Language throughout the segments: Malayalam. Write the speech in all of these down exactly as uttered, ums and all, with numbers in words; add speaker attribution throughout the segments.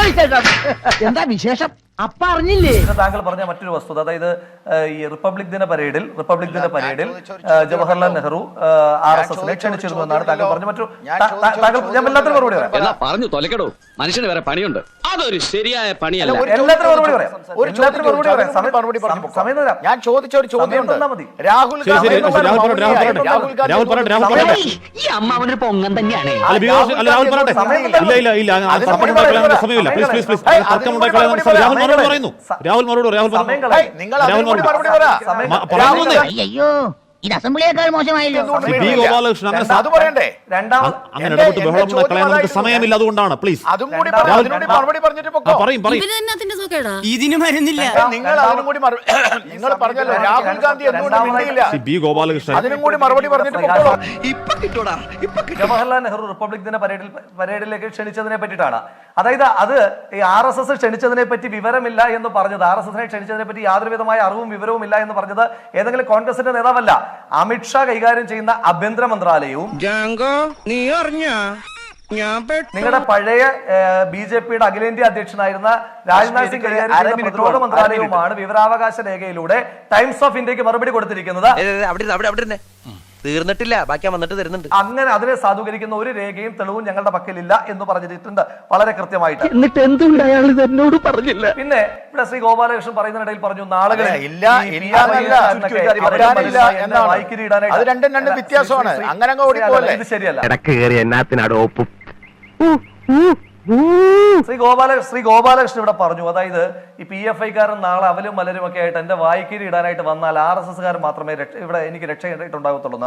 Speaker 1: എന്താ വിശേഷം അപ്പ അറിഞ്ഞില്ലേ?
Speaker 2: താങ്കൾ പറഞ്ഞ മറ്റൊരു വസ്തുത, അതായത് ഈ റിപ്പബ്ലിക് ദിന പരേഡിൽ റിപ്പബ്ലിക് ദിന പരേഡിൽ ജവഹർലാൽ നെഹ്റു ആർ എസ് എസിനെ ക്ഷണിച്ചിരുന്നു എന്നാണ് താങ്കൾ പറഞ്ഞ മറ്റൊരു താങ്കൾ ഞാൻ എല്ലാത്തിനും മറുപടി പറയാം.
Speaker 3: പറഞ്ഞു തൊലക്കടോ, മനുഷ്യന് വേറെ പണിയുണ്ട്. അതൊരു ശരിയായ പണിയല്ല.
Speaker 2: എല്ലാത്തിനും മറുപടി പറയാം. എല്ലാത്തിനും മറുപടി പറയാം. സമയം തരാം.
Speaker 4: ഞാൻ ചോദിച്ച ഒരു ചോദ്യം രാഹുൽ
Speaker 1: ഈ അമ്മാവനൊരു പൊങ്ങൻ തന്നെയാണ്. അയ്യോ ഇത് അസംബ്ലിയേക്കാൾ മോശമായല്ലോ.
Speaker 5: സമയമില്ല, അതുകൊണ്ടാണ്. പ്ലീസ് പറയും പറയും
Speaker 6: ഇതിന് മരുന്നില്ല.
Speaker 4: നിങ്ങൾ അതിനും കൂടി നിങ്ങൾ പറഞ്ഞല്ലോ രാഹുൽ ഗാന്ധി
Speaker 5: ബി ഗോപാലകൃഷ്ണൻ
Speaker 4: അതിനും കൂടി മറുപടി പറഞ്ഞിട്ട്
Speaker 2: ജവഹർലാൽ നെഹ്റു റിപ്പബ്ലിക് ദിന പരേഡിൽ പരേഡിലേക്ക് ക്ഷണിച്ചതിനെ പറ്റിയിട്ടാണ്. അതായത് അത് ഈ ആർ എസ് എസ് ക്ഷണിച്ചതിനെ പറ്റി വിവരമില്ല എന്ന് പറഞ്ഞത്, ആർ എസ് എസിനെ ക്ഷണിച്ചതിനെ പറ്റി യാതൊരു വിധമായ അറിവും വിവരവും ഇല്ല എന്ന് പറഞ്ഞത് ഏതെങ്കിലും കോൺഗ്രസിന്റെ നേതാവല്ല, അമിത്ഷാ കൈകാര്യം ചെയ്യുന്ന ആഭ്യന്തര മന്ത്രാലയവും നിങ്ങളുടെ പഴയ ബി ജെ പിയുടെ അഖിലേന്ത്യാ അധ്യക്ഷനായിരുന്ന രാജ്നാഥ് സിംഗ് കൈകാര്യം ചെയ്യുന്ന പ്രതിരോധ മന്ത്രാലയവുമാണ് വിവരാവകാശ രേഖയിലൂടെ ടൈംസ് ഓഫ് ഇന്ത്യക്ക് മറുപടി കൊടുത്തിരിക്കുന്നത്.
Speaker 7: തീർന്നിട്ടില്ല, ബാക്കി വന്നിട്ട് തരുന്നുണ്ട്.
Speaker 2: അങ്ങനെ അതിനെ സാധൂകരിക്കുന്ന ഒരു രേഖയും തെളിവും ഞങ്ങളുടെ പക്കലില്ല എന്ന് പറഞ്ഞിട്ടുണ്ട് വളരെ കൃത്യമായിട്ട്.
Speaker 1: എന്നിട്ട് എന്തുകൊണ്ട് അയാൾ എന്നോട് പറഞ്ഞില്ല?
Speaker 2: പിന്നെ ഇവിടെ ശ്രീ ഗോപാലകൃഷ്ണൻ പറയുന്നതിനിടയിൽ പറഞ്ഞു നാളുകളിൽ വായിക്കിരി ഇടാനായിട്ട്.
Speaker 4: അത് രണ്ടും രണ്ട് വ്യത്യാസമാണ്. അങ്ങനെ
Speaker 2: ഇത് ശരിയല്ല. ശ്രീ ഗോപാല ശ്രീ ഗോപാലകൃഷ്ണൻ ഇവിടെ പറഞ്ഞു, അതായത് ഈ പി എഫ് ഐക്കാരൻ നാളെ അവലും മലരും ഒക്കെ ആയിട്ട് എന്റെ വായിക്കിരി ഇടാനായിട്ട് വന്നാൽ ആർ എസ് എസ് കാരൻ മാത്രമേ ഇവിടെ എനിക്ക് രക്ഷയുണ്ടാകത്തുള്ളൂ.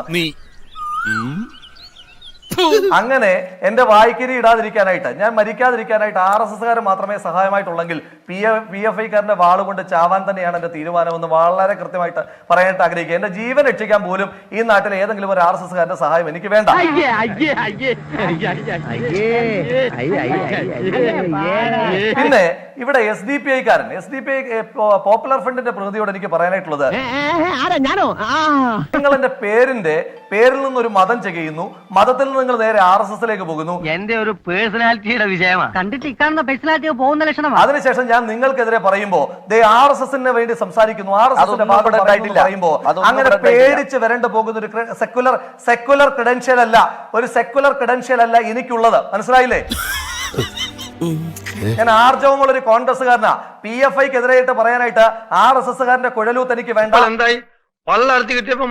Speaker 2: അങ്ങനെ എന്റെ വായിക്കിരി ഇടാതിരിക്കാനായിട്ട്, ഞാൻ മരിക്കാതിരിക്കാനായിട്ട് ആർ എസ് എസ് കാരൻ മാത്രമേ സഹായമായിട്ടുള്ളെങ്കിൽ പി എഫ് പി എഫ് ഐക്കാരന്റെ വാള് കൊണ്ട് ചാവാൻ തന്നെയാണ് എന്റെ തീരുമാനമെന്ന് വളരെ കൃത്യമായിട്ട് പറയാനായിട്ട് ആഗ്രഹിക്കുക. എന്റെ ജീവൻ രക്ഷിക്കാൻ പോലും ഈ നാട്ടിലെ ഏതെങ്കിലും ഒരു ആർ എസ് എസ് കാരന്റെ സഹായം എനിക്ക് വേണ്ട. പിന്നെ ഇവിടെ എസ് ഡി പി ഐക്കാരൻ S D P I popular ഫ്രണ്ടിന്റെ പ്രതിനിധിയോട് എനിക്ക് പറയാനായിട്ടുള്ളത്, നിങ്ങൾ എന്റെ പേരിന്റെ പേരിൽ നിന്നൊരു മതം ചെയ്യുന്നു, മതത്തിൽ നിന്ന് നിങ്ങൾ നേരെ ആർ എസ് എസിലേക്ക് പോകുന്നു.
Speaker 1: എന്റെ ഒരു പേഴ്സണാലിറ്റിയുടെ വിഷയമാണ്. കണ്ടിട്ട് ഇക്കാണുന്ന പേഴ്സണാലിറ്റി പോകുന്ന ലക്ഷണമാണ്.
Speaker 2: അതിനുശേഷം ഞാൻ നിങ്ങൾക്കെതിരെ പറയുമ്പോ ദേ ആർ എസ് എസിന് വേണ്ടി സംസാരിക്കുന്നു, ആർ എസ് എസിന്റെ പറയുമ്പോ അങ്ങനെ പേടിച്ച് വരേണ്ട പോകുന്ന ഒരു സെക്കുലർ സെക്കുലർ ക്രെഡൻഷ്യൽ അല്ല, ഒരു സെക്കുലർ ക്രെഡൻഷ്യൽ അല്ല എനിക്കുള്ളത്. മനസ്സിലായില്ലേ? ഞാൻ ആർജവമുള്ള ഒരു കോൺഗ്രസ്സുകാരനാ. പി എഫ് ഐക്കെതിരായിട്ട് പറയാനായിട്ട് ആർ എസ് എസ് കാരന്റെ കുഴലൂത്ത് എനിക്ക് വേണ്ട.
Speaker 8: എന്തായി പള്ളർത്തി കിട്ടിയപ്പോ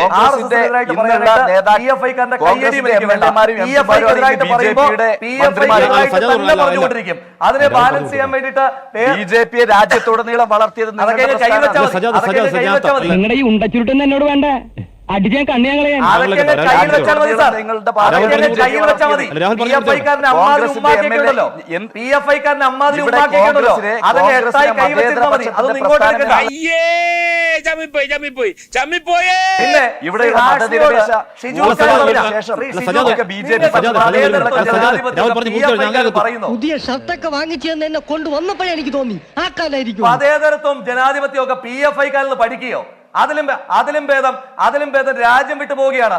Speaker 2: പറഞ്ഞുകൊണ്ടിരിക്കും. അതിനെ ബാലൻസ് ചെയ്യാൻ വേണ്ടിട്ട്
Speaker 4: ബി ജെ പി രാജ്യത്തുടനീളം വളർത്തിയത്
Speaker 1: നിങ്ങളുടെ ഈ ഉണ്ടച്ചുരുട്ടെന്ന് എന്നോട് വേണ്ട, അടിച്ചാൻ കണ്ണിയാങ്ങളെ പുതിയ ഷർട്ടൊക്കെ വാങ്ങിച്ചെന്ന് എന്നെ കൊണ്ടുവന്നപ്പോഴേ എനിക്ക് തോന്നി ആ കാലായിരിക്കും.
Speaker 2: മതേതരത്വം ജനാധിപത്യം ഒക്കെ പി എഫ് ഐക്കാരിൽ നിന്ന് പഠിക്കുകയോ? അതിലും അതിലും ഭേദം അതിലും ഭേദം രാജ്യം വിട്ടു പോവുകയാണ്.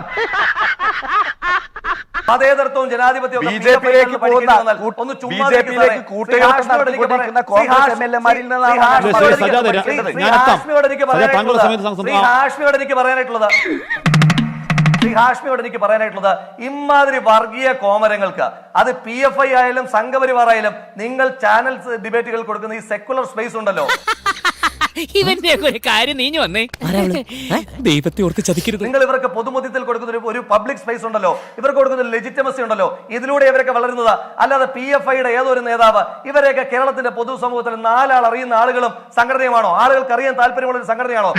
Speaker 2: മതേതരത്വവും ജനാധിപത്യവും
Speaker 4: ബി ജെ പിയിലേക്ക് പോകുന്ന ഒന്ന് ബി ജെ പിയിലേക്ക് കൂട്ടുകെട്ടോട് എനിക്ക്
Speaker 2: പറയാനായിട്ടുള്ളത് ശ്രീ ഹാഷ്മിയോട് എനിക്ക് പറയാനായിട്ടുള്ളത് ഇമാതിരി വർഗീയ കോമരങ്ങൾക്ക് അത് പി എഫ് ഐ ആയാലും സംഘപരിവാർ ആയാലും നിങ്ങൾ ചാനൽ ഡിബേറ്റുകൾ കൊടുക്കുന്ന ഈ സെക്കുലർ സ്പേസ് ഉണ്ടല്ലോ,
Speaker 6: ഇവന്റെ ഒരു കാര്യം നീഞ്ഞു വന്നേ, ദൈവത്തെ ഓർത്ത് ചതിക്കരുത്.
Speaker 2: നിങ്ങൾ ഇവർക്ക് പൊതുമധ്യത്തിൽ കൊടുക്കുന്ന ഒരു പബ്ലിക് സ്പേസ് ഉണ്ടല്ലോ, ഇവർക്ക് കൊടുക്കുന്ന ലെജിറ്റമസി ഉണ്ടല്ലോ, ഇതിലൂടെ ഇവരൊക്കെ വളരുന്നത്. അല്ലാതെ പി എഫ് ഐയുടെ ഏതൊരു നേതാവ് ഇവരെയൊക്കെ കേരളത്തിന്റെ പൊതുസമൂഹത്തിൽ നാലാൾ അറിയുന്ന ആളുകളും സംഘടനയുമാണോ? ആളുകൾക്ക് അറിയാൻ താല്പര്യമുള്ള ഒരു സംഘടനയാണോ?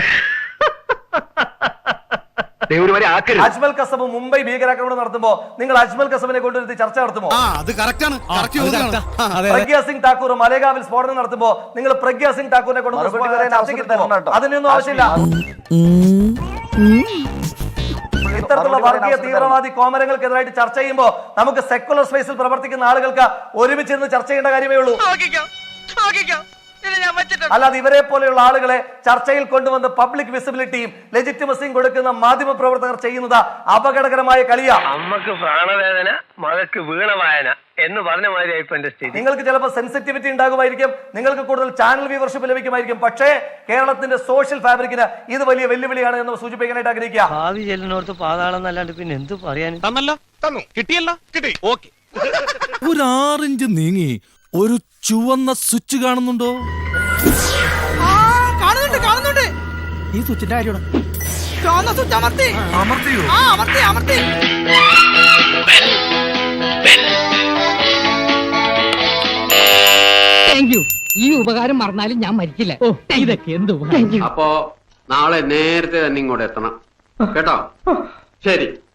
Speaker 2: അജ്മൽ കസബ് മുംബൈ ഭീകരാക്രമണം നടത്തുമ്പോ നിങ്ങൾ അജ്മൽ കസബിനെ കൊണ്ടുവരുത്തി ചർച്ച നടത്തുമോ? പ്രഗ്യാ സിംഗ് ഠാക്കൂർ മലേഗാവിൽ സ്ഫോടനം നടത്തുമ്പോ നിങ്ങൾ പ്രഗ്യാ സിംഗ് ഠാക്കൂറിനെ കൊണ്ടുവന്ന് അതിനൊന്നും ആവശ്യമില്ല. ഇത്തരത്തിലുള്ള വർഗീയ തീവ്രവാദി കോമരങ്ങൾക്കെതിരായിട്ട് ചർച്ച ചെയ്യുമ്പോൾ നമുക്ക് സെക്കുലർ സ്പേസിൽ പ്രവർത്തിക്കുന്ന ആളുകൾക്ക് ഒരുമിച്ച് നിന്ന് ചർച്ച ചെയ്യേണ്ട കാര്യമേ ഉള്ളൂ. അല്ലാതെ ഇവരെ പോലെയുള്ള ആളുകളെ ചർച്ചയിൽ കൊണ്ടുവന്ന് പബ്ലിക് വിസിബിലിറ്റിയും ലെജിറ്റിമസിയും കൊടുക്കുന്ന മാധ്യമ പ്രവർത്തകർ ചെയ്യുന്നത് അപകടകരമായ കളിയാണ്.
Speaker 8: അമ്മക്ക് പ്രാണവേദന മകക്ക് വീണവായന എന്ന് പറഞ്ഞ മാതിരി ഇപ്പൊ എന്റെ സ്ഥിതി.
Speaker 2: നിങ്ങൾക്ക് ചിലപ്പോൾ സെൻസിറ്റിവിറ്റി ഉണ്ടാകുമായിരിക്കും, നിങ്ങൾക്ക് കൂടുതൽ ചാനൽ വ്യൂവർഷിപ്പ് ലഭിക്കുമായിരിക്കും. പക്ഷേ കേരളത്തിന്റെ സോഷ്യൽ ഫാബ്രിക്കിന് ഇത് വലിയ വെല്ലുവിളിയാണ് എന്ന് സൂചിപ്പിക്കാനായിട്ട് ആഗ്രഹിക്കുക.
Speaker 1: ഭാവി ചെല്ലിനോർത്ത് പാതാളം എന്നല്ലാണ്ട് പിന്നെ എന്ത് പറയാൻ.
Speaker 6: തന്നല്ലോ തന്നു കിട്ടിയല്ലോ കിട്ടി ഓക്കെ.
Speaker 7: ഒരു ആറിഞ്ച് നീങ്ങി ഒരു ചുവന്ന സ്വിച്ച് കാണുന്നുണ്ടോ?
Speaker 9: കാണുന്നുണ്ട് കാണുന്നുണ്ട്.
Speaker 7: ഈ സ്വിച്ചിന്റെ കാര്യമാണ്.
Speaker 9: ചുവന്ന സ്വിച്ച് അമർത്തി
Speaker 7: അമർത്തിയോ?
Speaker 9: ആ അമർത്തി അമർത്തി.
Speaker 1: Thank you. ഈ ഉപകാരം മറന്നാലും ഞാൻ മരിക്കില്ല. ഓ ഇതൊക്കെ എന്ത്
Speaker 3: അപ്പോ നാളെ നേരത്തെ തന്നെ ഇങ്ങോട്ട് എത്തണം കേട്ടോ. ശരി.